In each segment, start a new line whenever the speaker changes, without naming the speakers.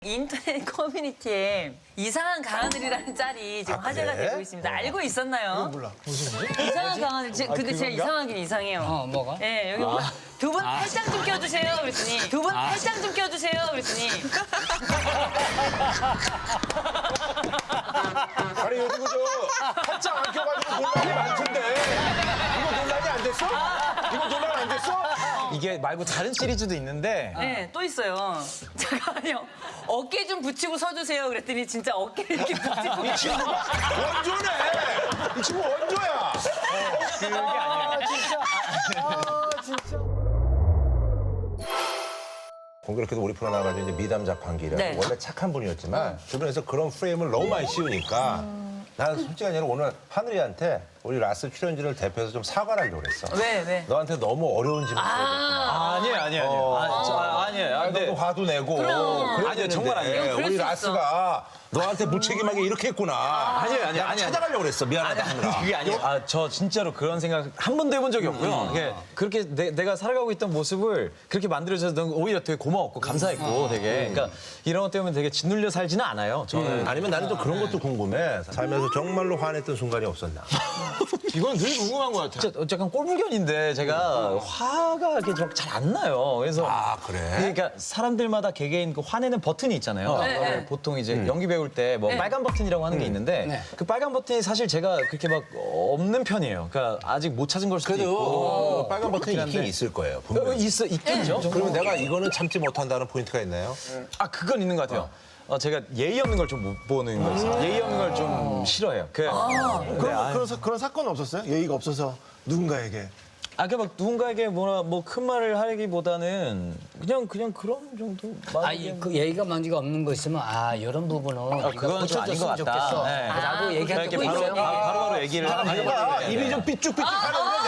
인터넷 커뮤니티에 이상한 강하늘이라는 짤이 지금 화제가
그래?
되고 있습니다. 알고 있었나요?
몰라. 무슨 일?
이상한 강하늘. 근데 제가 이상하긴 이상해요.
뭐가?
네, 여기 보면 두 분 팔짱 좀 껴주세요. 그랬더니 두 분 팔짱 좀 껴주세요. 그랬더니
아니 요즘 저 팔짱 안 껴가지고 논란이 많던데 이거 논란이 안 됐어? 이거 논란 안 됐어?
이게 말고 다른 시리즈도 있는데
네, 또 있어요. 잠깐만요. 어깨 좀 붙이고 서주세요. 그랬더니 진짜 어깨를 이렇게 붙이고
이 친구가 원조네. 이 친구 원조야.
그게 아니에요.
공교롭게도 우리 프로 나가지고 이제 미담 자판기라
네.
원래 착한 분이었지만 주변에서 그런 프레임을 너무 많이 씌우니까 나는 솔직히 아니라 오늘 하늘이한테 우리 라스 출연진을 대표해서 좀 사과를 하려고 그랬어.
왜?
너한테 너무 어려운 질문
아니에요. 아니에요.
너도 화도 내고. 그래야
아니요, 정말 아니에요.
되는데
그럴
우리
수 있어.
라스가 너한테 무책임하게 이렇게 했구나.
아니에요.
내가 찾아가려고 그랬어. 미안하다 하느라.
그게 아니에요. 저 진짜로 그런 생각 한 번도 해본 적이 없고요. 이게 그렇게 내가 살아가고 있던 모습을 그렇게 만들어줘서 오히려 되게 고마웠고 감사했고 되게. 그러니까 이런 것 때문에 되게 짓눌려 살지는 않아요. 저는.
아니면 나는 또 그런 것도 궁금해. 살면서 정말로 화냈던 순간이 없었나?
이건 늘 궁금한 것 같아요. 진짜 약간 꼴불견인데 제가 화가 이렇게 잘 안 나요. 그래서
아, 그래?
그러니까 사람들마다 개개인 그 화내는 버튼이 있잖아요.
네.
보통 이제 연기 배울 때 뭐 빨간 버튼이라고 하는 게 있는데 그 빨간 버튼이 사실 제가 그렇게 막 없는 편이에요. 그러니까 아직 못 찾은 걸 수도 있고.
빨간 버튼이
그렇긴
있긴
한데.
있을 거예요. 분명히.
있겠죠.
그러면 내가 이거는 참지 못한다는 포인트가 있나요?
그건 있는 것 같아요. 제가 예의 없는 걸 좀 못 보는 거 있어요. 예의 없는 걸 좀 싫어해요.
그런 사건은 없었어요? 예의가 없어서 누군가에게.
막 누군가에게 뭐 큰 말을 하기보다는 그냥 그런 정도.
그 예의가 만지가 없는 거 있으면 이런 부분은
그건 좀 아닌 것
고쳐줬으면
같다.
좋겠어.
네.
라고 얘기할
이렇게
때도 있어요.
바로 얘기를 하는
내가 입이 좀 삐쭉삐쭉하는데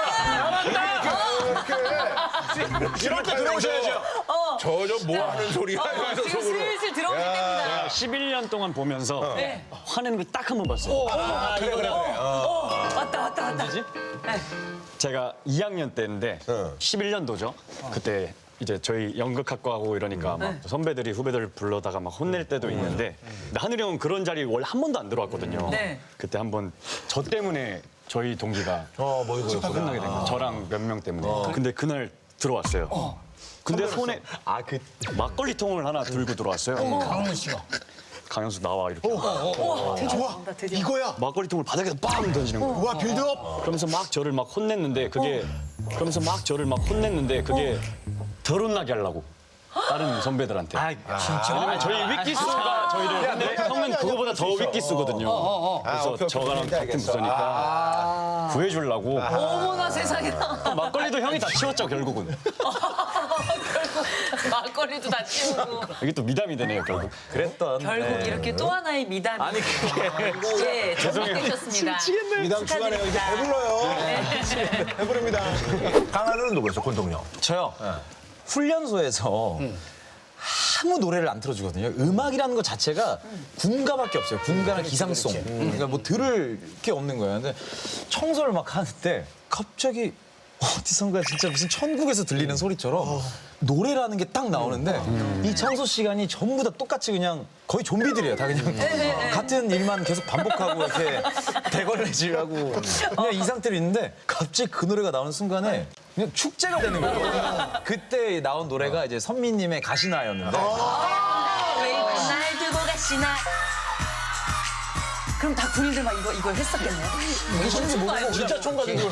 이럴 때 들어오셔야죠.
저저 뭐 하는 소리야? 이러면서
지금
속으로.
슬슬 들어오실 때입니다.
11년 동안 보면서 화내는 걸 딱 한 번 봤어요.
그래.
왔다.
제가 2학년 때인데 11년도죠. 그때 이제 저희 연극학과하고 이러니까 막 선배들이 후배들 불러다가 막 혼낼 때도 있는데 근데 하늘이 형은 그런 자리 원래 한 번도 안 들어왔거든요.
네.
그때 한 번 저 때문에 저희 동기가
뭐 이거
끝나게 된 거예요. 저랑 몇 명 때문에. 근데 그날 들어왔어요. 근데 손에 막걸리 통을 하나 들고 들어왔어요.
강훈 씨가.
강현수 나와 이렇게.
좋아. 이거야.
막걸리 통을 바닥에서 빵 던지는 거예요.
와 빌드업.
그러면서 막 저를 막 혼냈는데 그게 덜 혼나게 하려고 다른 선배들한테. 왜냐면 저희 위키스가 저희를 근데 형은 그거보다 더 위키스거든요. 그래서 저랑 같은 부서니까 구해주려고
어머나 세상에나.
막걸리도 형이 다 치웠죠 결국은.
막걸리도 다 치우고.
이게 또 미담이 되네요 결국.
그랬던.
결국 이렇게 또 하나의 미담이.
아니 그게
예, 정리되셨습니다.
미담 주간에 이제 배불러요. 배부릅니다. 강하늘은 누구였어? 권동영.
저요. 훈련소에서 아무 노래를 안 틀어주거든요. 음악이라는 것 자체가 군가밖에 없어요. 군가나 기상송. 그러니까 뭐 들을 게 없는 거예요. 근데 청소를 막 하는데 갑자기 어디선가 진짜 무슨 천국에서 들리는 소리처럼 노래라는 게 딱 나오는데 이 청소 시간이 전부 다 똑같이 그냥 거의 좀비들이에요. 다 그냥 같은 일만 계속 반복하고 이렇게 대걸레질하고 그냥 이 상태로 있는데 갑자기 그 노래가 나오는 순간에 그냥 축제가 되는 거예요. 그때 나온 노래가 이제 선미님의 가시나였는데
왜 날 두고 가시나. 그럼 다 군인들 막 이거 했었겠네요.
무슨지 모르고 진짜 총 가지고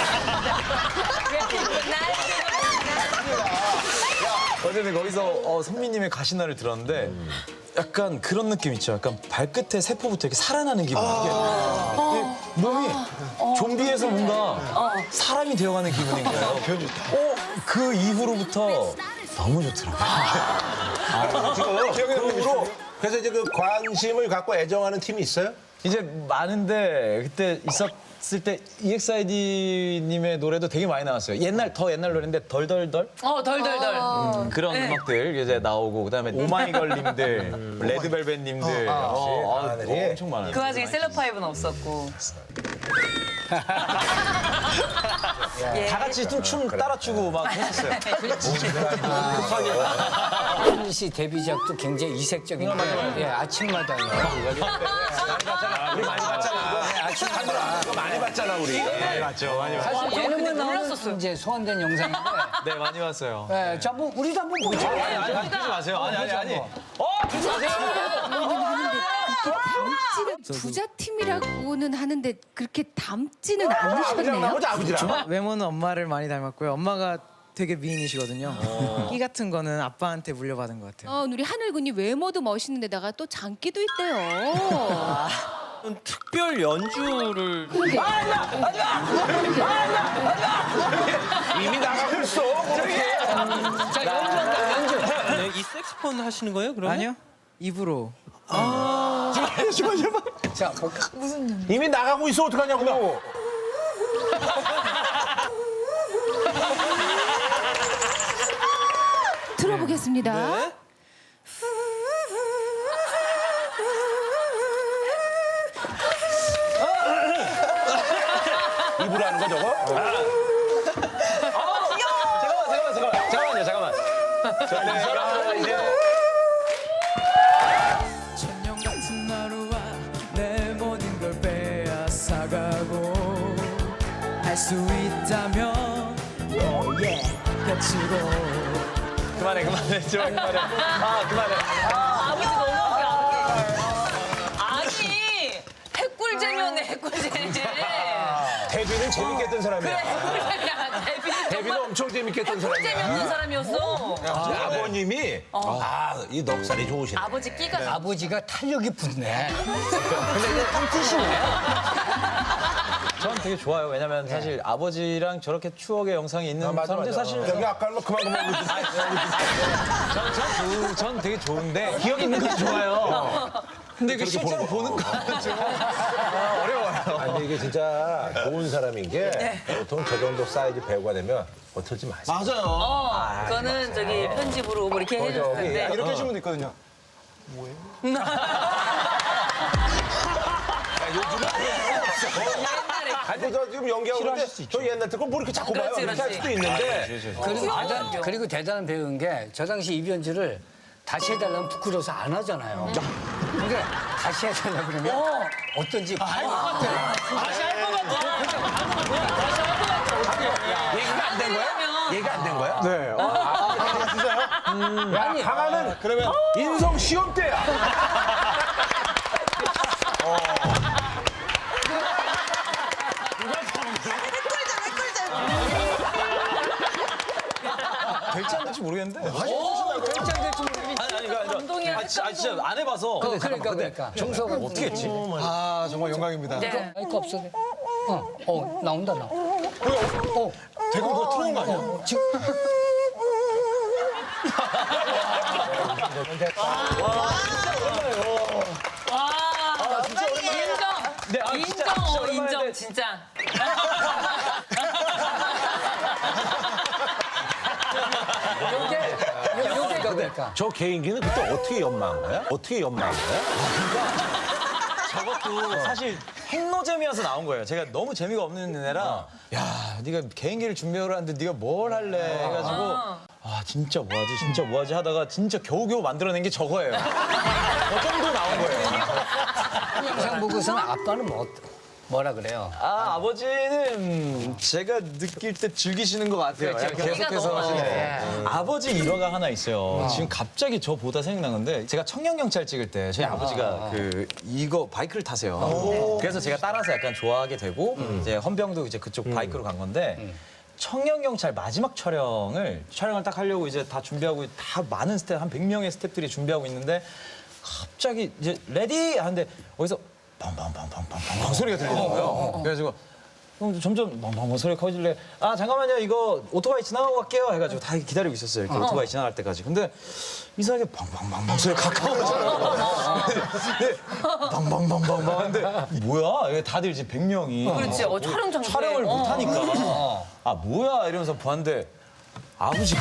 어쨌든 거기서 선미님의 가시나를 들었는데 약간 그런 느낌 있죠. 약간 발끝에 세포부터 이렇게 살아나는 기분. 이게 몸이 좀비에서 뭔가 사람이 되어가는 기분인 거예요. 그 이후로부터 너무 좋더라고요.
지금 그래서 이제 그 관심을 갖고 애정하는 팀이 있어요?
이제 많은데 그때 있었을 때 EXID님의 노래도 되게 많이 나왔어요. 더 옛날 노래인데 덜덜덜
덜덜덜.
그런 음악들 이제 나오고 그다음에 오마이걸님들, 레드벨벳님들 엄청 많아요.
그 와중에 셀럽파이브는 없었고.
다 같이 춤 따라 추고 막 했었어요.
하늘 씨 데뷔작도 굉장히 이색적인 게 예, 아침마당이요.
우리 많이 봤잖아. 이거 많이 봤잖아 우리.
맞죠, 많이 봤어요.
사실 예능은
근데
나오는
몰랐었어요.
이제 소환된 영상인데
네, 많이 봤어요.
예, 자, 뭐 우리도 한번 보죠.
아니, 그러지 마세요. 아니. 그러지 마세요.
부자 팀이라고는 하는데 그렇게 닮지는 않으셨네요.
나머지 아버지랑.
외모는 엄마를 많이 닮았고요. 엄마가 되게 미인이시거든요. 끼 같은 거는 아빠한테 물려받은 것 같아요.
우리 하늘군이 외모도 멋있는데다가 또 장기도 있대요.
특별 연주를
그러게.
이미 나가고 있어.
자, 연주한다, 연주.
네, 이 색스폰 하시는 거예요? 그러면?
아니요? 입으로.
자, 볼까?
이미 나가고 있어. 어떡하냐고.
들어보겠습니다.
입으로 하는 거 저거?
잠깐만요.
천년 같은 하루와 내 모든 걸 빼앗아가고 할 수 있다면 너의 곁으로.
그만해. 제발 그만해. 그만해.
아버지 너무 웃겨. 아니 해꿀잼이었네 해꿀잼.
데뷔는 재밌게 했던 사람이야.
해꿀잼이야.
데뷔는 엄청 재밌게 했던 사람이야.
해꿀잼이었던 사람이었어.
아버님이 이 넉살이 좋으시네.
아버지 끼가
아버지가 탄력이 붙네.
전 되게 좋아요. 왜냐면 사실 아버지랑 저렇게 추억의 영상이 있는 사람들 사실
여기 아까 그만
전 되게 좋은데 기억 있는 것도 좋아요. 근데 그 실제로 보는 거는 좀 어려워요.
아니 이게 진짜 좋은 사람인 게 보통 저 정도 사이즈 배우가 되면 어떨지 마세요.
맞아요.
그거는 저기 편집으로 뭐 이렇게 해줬을 텐데.
이렇게 해주면 도 있거든요.
아니 저 지금 연기하고 있는데 저 옛날 듣고 뭐 이렇게 자꾸 봐요.
그렇지,
이렇게 할
그렇지.
수도 있는데
그리고 대단한 배우인 게 저 당시 이변주를 다시 해달라면 부끄러워서 안 하잖아요. 근데 다시 해달라 그러면 어떤지 알것 같아요.
얘기가 안 된 거야? 얘기가 안 된 거야?
네.
야, 강하는 그러면 인성 시험 때야.
될지 안 될지 모르겠는데.
결정될지 모르겠는데.
아니,
감동이야.
진짜 안 해봐서.
그러니까. 정서가
어떻게 했지?
아 정말 영광입니다.
네.
마이크 없어. 나온다.
대구 그거 틀어놓은 거 아니야?
지금
인정 진짜.
요게 그러니까.
저 개인기는 그때 어떻게 연마한 거야?
저것도 사실 핵노잼이어서 나온 거예요. 제가 너무 재미가 없는 애라 야, 네가 개인기를 준비를 하는데 네가 뭘 할래 해가지고 진짜 뭐하지 하다가 진짜 겨우겨우 만들어낸 게 저거예요. 저 정도 나온 거예요.
영상 보고서는 아빠는 뭐라 그래요?
아버지는 제가 느낄 때 즐기시는 것 같아요.
그렇죠.
계속해서
너무
하시네. 아버지 일화가 하나 있어요. 지금 갑자기 저 보다 생각난 건데 제가 청년경찰 찍을 때 저희 아버지가 이거 바이크를 타세요. 그래서 제가 따라서 약간 좋아하게 되고 이제 헌병도 이제 그쪽 바이크로 간 건데 청년경찰 마지막 촬영을 딱 하려고 이제 다 준비하고 다 많은 스텝 한 100명의 스텝들이 준비하고 있는데 갑자기 이제 레디 하는데 어디서 팡팡팡팡팡팡 소리가 들리는 거예요. 그래가지고 점점 멍멍멍 소리가 커지길래 잠깐만요 이거 오토바이 지나가고 갈게요 해가지고 다 기다리고 있었어요. 이렇게 오토바이 지나갈 때까지. 근데 이상하게 팡팡팡팡 소리가 가까워져요. 팡팡팡팡팡 하는데 뭐야? 다들 이제 100명이
그렇지. 촬영 장소에.
촬영을 못 하니까 뭐야 이러면서 보는데 아버지가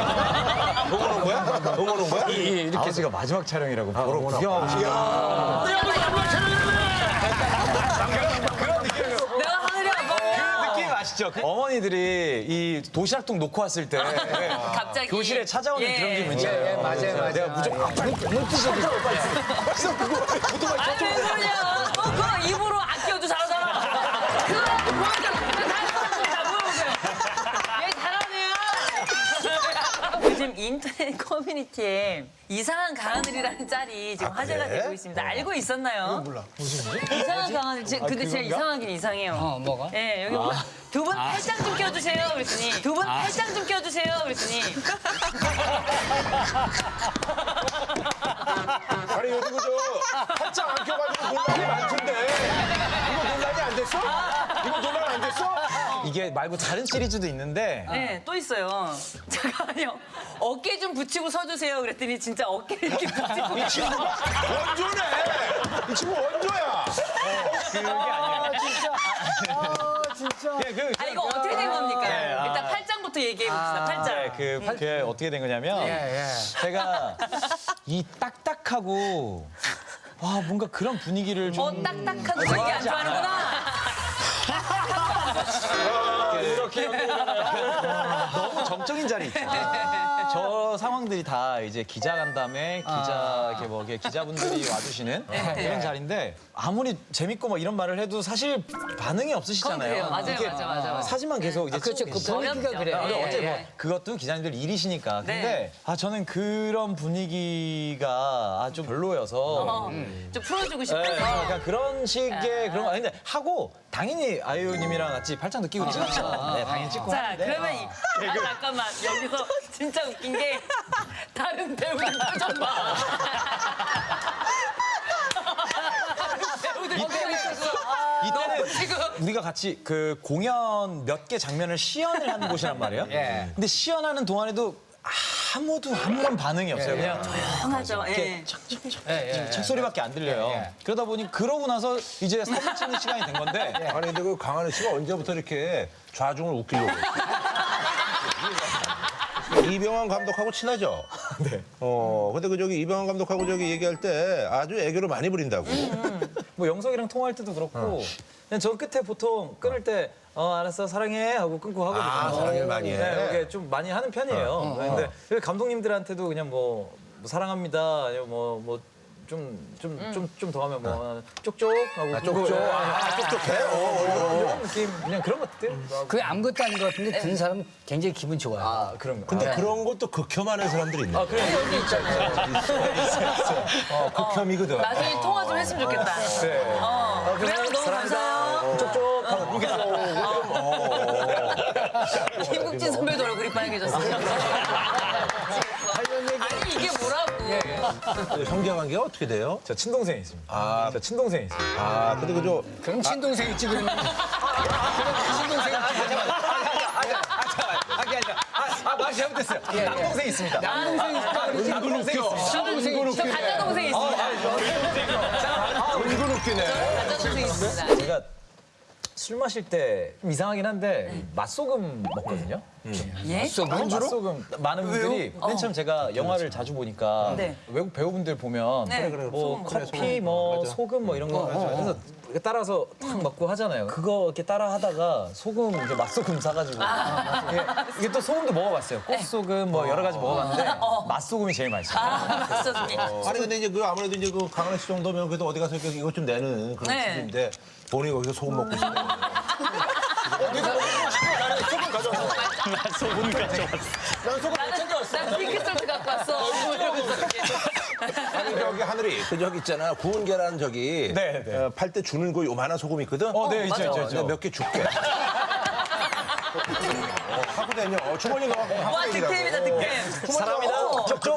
응원한 거야?
이렇게 아버지가 마지막 촬영이라고 보러 구경하고 싶어요.
내가 하늘이 아빠.
느낌 아시죠? 아시죠? 어머니들이 이 도시락통 놓고 왔을 때
갑자기
교실에 찾아오는
예.
그런 기분 있잖아요.
예, 맞아요.
내가 무조건
눈뜨셔
아니 왜 그러냐? 그거 입으로 아껴도 잘하잖아. 그거 보여줘. 다 물어보세요. 얘 잘하네요. 요즘 인터넷 커뮤니티에 이상한 강하늘이라는 짤이 지금 화제가
그래?
되고 있습니다. 알고 있었나요?
몰라. 무슨 일?
이상한 강하늘. 근데 진짜 이상하긴 이상해요.
뭐가?
예, 여기 보면 두 분 팔짱 좀 껴주세요. 그랬더니 두 분 팔짱 좀 껴주세요. 그랬더니
아니 요즘 그저 팔짱 안 껴가지고 논란이 많던데 이거 논란이 안 됐어? 이거 논란 안 됐어?
이게 말고 다른 시리즈도 있는데
네, 또 있어요. 잠깐만요. 어깨 좀 붙이고 서주세요. 그랬더니 진짜 어깨를 이렇게 붙이고.
이 친구가 원조네. 이 친구 원조야.
그게 아니에요.
진짜.
아, 이거 어떻게 된 겁니까?
네,
일단 팔짱부터 얘기해봅시다. 팔짱.
그게 어떻게 된 거냐면 제가 이 딱딱하고 와 뭔가 그런 분위기를 좀
딱딱한 거 되게 안 좋아하는구나.
이렇게 너무 정적인 자리 있죠. 저 상황들이 다 이제 기자 간담회, 기자 이렇게 뭐 이렇게 기자분들이 와주시는 그런 자리인데 아무리 재밌고 뭐 이런 말을 해도 사실 반응이 없으시잖아요.
그래요. 맞아요,
이게
맞아.
사진만 계속 이제
그렇죠.
찍고
그
있어요.
분위기가 그래요.
어째 뭐 그것도 기자님들 일이시니까. 근데
네.
저는 그런 분위기가 좀 별로여서.
좀 풀어주고
네,
싶어서.
그러니까 그런 식의 그런 거 아닌데 하고 당연히 아이유님이랑 같이 팔짱도 끼고 찍었죠. 네, 당연히 찍고
자,
하는데.
그러면 잠깐만. 여기서 진짜 웃긴 게 다른 배우들 표정 봐. 다른 배우들
이때는
지금
우리가 같이 그 공연 몇 개 장면을 시연을 하는 곳이란 말이에요.
예.
근데 시연하는 동안에도 아무도 아무런 반응이 없어요. 그냥
조용하죠. 예.
책 소리밖에 안 들려요. 그러다 보니 그러고 나서 이제 사진 찍는 시간이 된 건데
아니 근데 그 강하늘 씨가 언제부터 이렇게 좌중을 웃기려고 했어? 이병헌 감독하고 친하죠?
네.
근데 그 저기 이병헌 감독하고 저기 얘기할 때 아주 애교를 많이 부린다고.
뭐 영석이랑 통화할 때도 그렇고 그냥 저 끝에 보통 끊을 때 알았어 사랑해 하고 끊고 하거든요.
아, 사랑을 많이 해?
네, 이게 좀 많이 하는 편이에요. 근데 감독님들한테도 그냥 뭐 사랑합니다 아니면 뭐 좀 더 하면 뭐 쪽쪽 하고
쪽쪽. 쪽쪽해?
이런 느낌 그냥 그런 것들.
그게 아무것도 아닌 것 같은데 듣는 사람은 굉장히 기분 좋아요.
그런 거.
근데 그런 것도 극혐하는 사람들이 있네.
그래 여기 있잖아요.
극혐이거든.
나중에 통화 좀 했으면 좋겠다. 그래요? 너무 감사해요.
쪽쪽 하고
김국진 선배도 얼굴이 빨개졌어요. 아니 이게 뭐라고?
형제관계가 어떻게 돼요?
저 친동생이 있습니다. 저 친동생이 있습니다.
근데 그저
그럼 친동생이 찍으면 친동생이
말 잘못했어요. 남동생이 있습니다.
남동생이
남동생이 있습니다.
저 가짜 동생이 있습니다.
은근 웃기네.
가짜 동생이 있습니다.
제가 술 마실 때 좀 이상하긴 한데 맛소금 먹거든요.
예?
맛소금 많은 분들이 맨 처음 제가 영화를 자주 보니까
네.
외국 배우분들 보면
네.
뭐 커피 뭐 소금 뭐 이런 거 그래서 이렇게 따라서 탁 먹고 하잖아요. 그거 이렇게 따라 하다가 소금 이제 맛소금 사가지고 이게 또 소금도 먹어봤어요. 꽃소금 뭐 여러 가지 먹어봤는데 맛소금이 제일 맛있어요.
맞췄니?
아니 근데 이제 그 아무래도 이제 그 강하늘 씨 정도면 그래도 어디 가서 이렇게 이것 좀 내는 그런
네.
수준인데 본인이 거기서 소금 먹고 싶네.
난 핑크솔트 갖고 왔어. 뭐 이러면서 이렇게.
아니 저기 하늘이 그 저기 있잖아 구운 계란 저기
네, 네.
팔 때 주는 거 요만한 소금 있거든.
네, 있죠.
몇 개 줄게. 하고 다녀. 주머니 넣어.
와 득템이다 득템.
사람이다. 쪽쪽.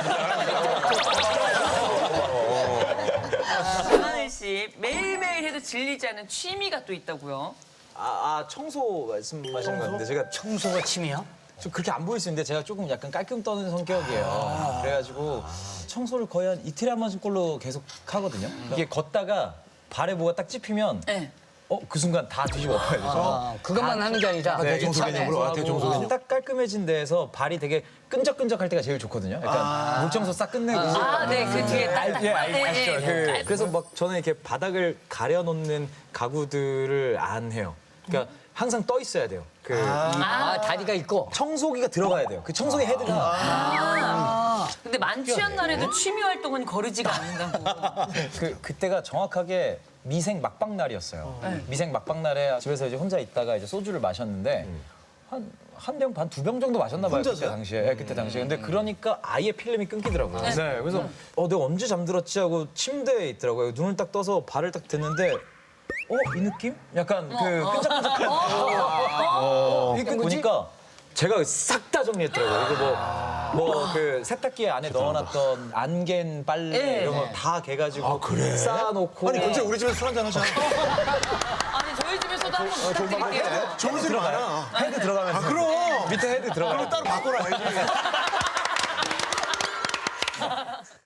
강하늘 씨 매일매일 해도 질리지 않는 취미가 또 있다고요?
청소 말씀하시는 것 같은데 제가
청소가 취미야?
좀 그렇게 안 보일 수 있는데 제가 조금 약간 깔끔 떠는 성격이에요. 그래가지고 청소를 거의 한 이틀에 한 번꼴로 계속 하거든요. 이게 걷다가 발에 뭐가 딱 찝히면
네.
그 순간 다 뒤집어 엎어야 돼요.
그것만 하는 게 아니라
대청소 개념으로 대청소 개념.
딱 깔끔해진 데에서 발이 되게 끈적끈적할 때가 제일 좋거든요. 약간 물청소 싹 끝내고.
네, 그 뒤에 딱딱.
아시죠? 그래서 막 저는 이렇게 바닥을 가려놓는 가구들을 안 해요. 그러니까 항상 떠 있어야 돼요.
다리가 있고.
청소기가 들어가야 돼요. 그 청소기 헤드가
근데 만취한 날에도 취미 활동은 거르지가 않는다고.
그때가 정확하게 미생 막방 날이었어요. 미생 막방 날에 집에서 이제 혼자 있다가 이제 소주를 마셨는데 한 병 반, 2병 정도 마셨나 봐요. 그때 당시에. 네, 그때 당시에. 근데 그러니까 아예 필름이 끊기더라고요. 네. 그래서 내가 언제 잠들었지 하고 침대에 있더라고요. 눈을 딱 떠서 발을 딱 댔는데 이 느낌? 약간 끈적끈적한. 이렇게 보니까 제가 싹 다 정리했더라고요. 이거 뭐 그 세탁기 안에 넣어놨던 안갠 빨래 이런 거 다 개가지고 쌓아놓고.
아니 근데 우리 집에서 술 한잔 하자.
아니 저희 집에서도 한번 부탁드릴게요.
좋은 술 많아.
헤드 들어가면서.
그럼.
밑에 헤드 들어가면
따로 바꿔놔야지.